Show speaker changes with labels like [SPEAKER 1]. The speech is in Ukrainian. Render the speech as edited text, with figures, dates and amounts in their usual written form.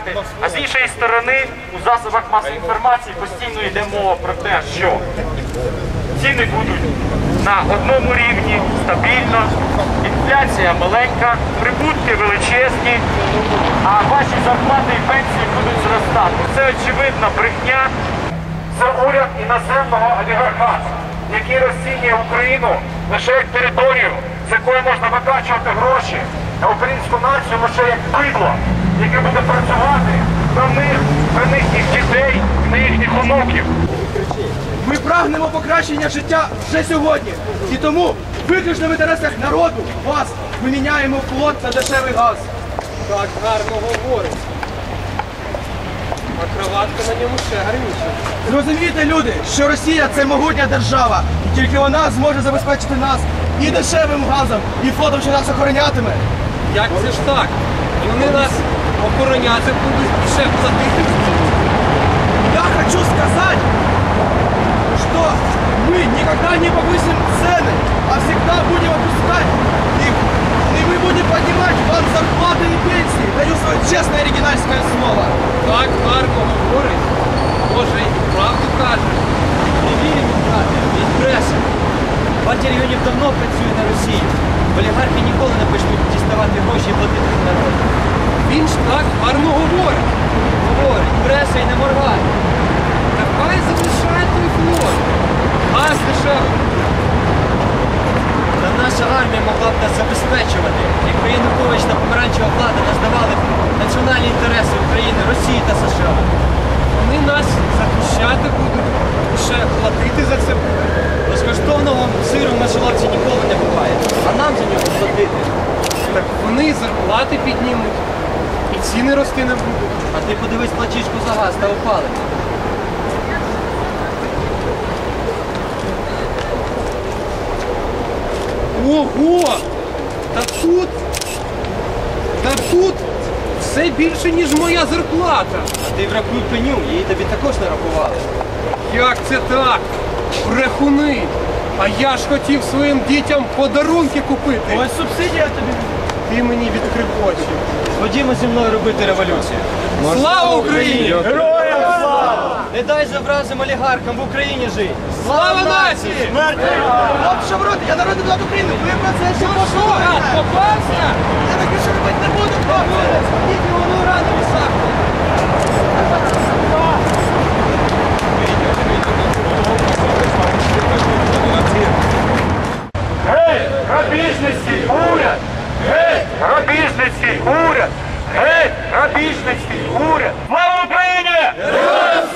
[SPEAKER 1] заробляти. А з іншої сторони, у засобах масової інформації постійно йде мова про те, що ціни будуть на одному рівні, стабільно, інфляція маленька, прибутки величезні, а ваші зарплати і пенсії будуть зростати. Це очевидна брехня. Це уряд іноземного олігархату, який розцінює Україну лише як територію, з якої можна викачувати гроші, а українську націю лише як бидло, яке буде працювати на їхніх дітей, на їхніх онуків.
[SPEAKER 2] Ми прагнемо покращення життя вже сьогодні. І тому виключно в інтересах народу вас ми міняємо флот на дешевий газ.
[SPEAKER 3] Так гарно говорить. А кроватка на ньому ще гарніша.
[SPEAKER 2] Зрозумійте, люди, що Росія – це могутня держава. І тільки вона зможе забезпечити нас і дешевим газом, і флотом, що нас охоронятиме.
[SPEAKER 3] Як це ж так? І вони нас охороняти будуть і ще платити.
[SPEAKER 2] Я хочу сказать, что мы никогда не повысим цены, а всегда будем опускать их. И мы будем поднимать вам зарплаты и пенсии. Даю свое честное оригинальское слово.
[SPEAKER 3] Так гарно говорить. Боже, і правду каже.
[SPEAKER 4] Не віримо, брате, він бреше. Партія регіонів давно працює на Росію. Олігархи ніколи не почнуть діставати гроші і платити за народ.
[SPEAKER 3] Він ж так гарно говорить.
[SPEAKER 4] Говорить, бреше і не моргає.
[SPEAKER 3] Та хай залишає той флот. Газ дешевий.
[SPEAKER 4] Та наша армія могла б нас забезпечувати, якби Янукович та помаранчева влада не здавали б національні інтереси України, Росії та США.
[SPEAKER 3] Вони нас захищати будуть, ще платити за це будуть.
[SPEAKER 4] Безкоштовного сиру в мишоловці ніколи не буває, а нам за нього платити.
[SPEAKER 3] Так вони зарплати піднімуть і ціни рости не будуть.
[SPEAKER 4] А ти подивись платіжку за газ та опалення.
[SPEAKER 3] Ого! Та тут все більше, ніж моя зарплата.
[SPEAKER 4] А ти врахуй пеню, її тобі також нарахували.
[SPEAKER 3] Як це так? Брехуни! А я ж хотів своїм дітям подарунки купити.
[SPEAKER 2] Ось субсидія тобі.
[SPEAKER 3] Ти мені відкрив очі.
[SPEAKER 4] Ходімо зі мною робити революцію.
[SPEAKER 3] Слава Україні!
[SPEAKER 2] Героям слава!
[SPEAKER 4] Не дай завразим олігархам в Україні жити.
[SPEAKER 3] Слава нації!
[SPEAKER 2] От що в роті, я народний депутат України, ви про це ще послухаєте.
[SPEAKER 3] Попався!
[SPEAKER 2] Я так більше робити не буду, хлопці.
[SPEAKER 4] Тільки воно рано висахне.
[SPEAKER 1] Гей, грабіжницький уряд! Гей, грабіжницький уряд! Гей, грабіжницький уряд! Слава Україні!